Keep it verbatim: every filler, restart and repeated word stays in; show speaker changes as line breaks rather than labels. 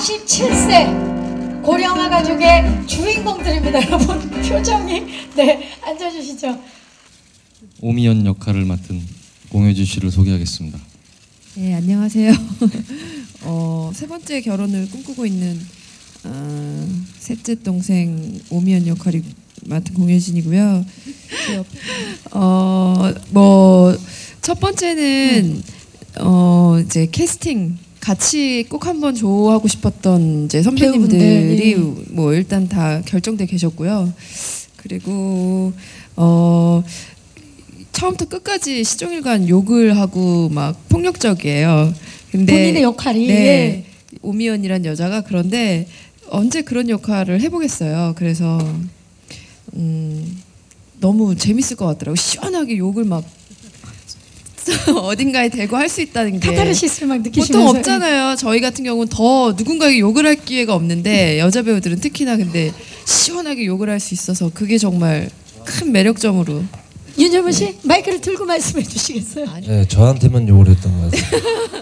사십칠 세 고령화 가족의 주인공들입니다. 여러분 표정이. 네, 앉아주시죠.
오미연 역할을 맡은 공효진 씨를 소개하겠습니다.
네, 안녕하세요. 어, 세 번째 결혼을 꿈꾸고 있는 어, 셋째 동생 오미연 역할을 맡은 공효진이고요. 어, 뭐 첫 번째는 어, 이제 캐스팅 같이 꼭 한번 조하고 싶었던 이제 선배님들이
배우분들, 예.
뭐 일단 다 결정돼 계셨고요. 그리고 어. 처음부터 끝까지 시종일관 욕을 하고 막 폭력적이에요. 근데
본인의 역할이.
네,
예.
오미연이란 여자가 그런데 언제 그런 역할을 해보겠어요. 그래서 음, 너무 재밌을 것 같더라고. 시원하게 욕을 막 어딘가에 대고 할 수 있다는 게
카타르시스를 막 느끼시면서.
보통 없잖아요. 저희 같은 경우는 더 누군가에게 욕을 할 기회가 없는데 여자 배우들은 특히나 근데 시원하게 욕을 할 수 있어서 그게 정말 큰 매력점으로.
윤여문 씨 마이크를 들고 말씀해 주시겠어요?
네, 저한테만 욕을 했던 것 같아요.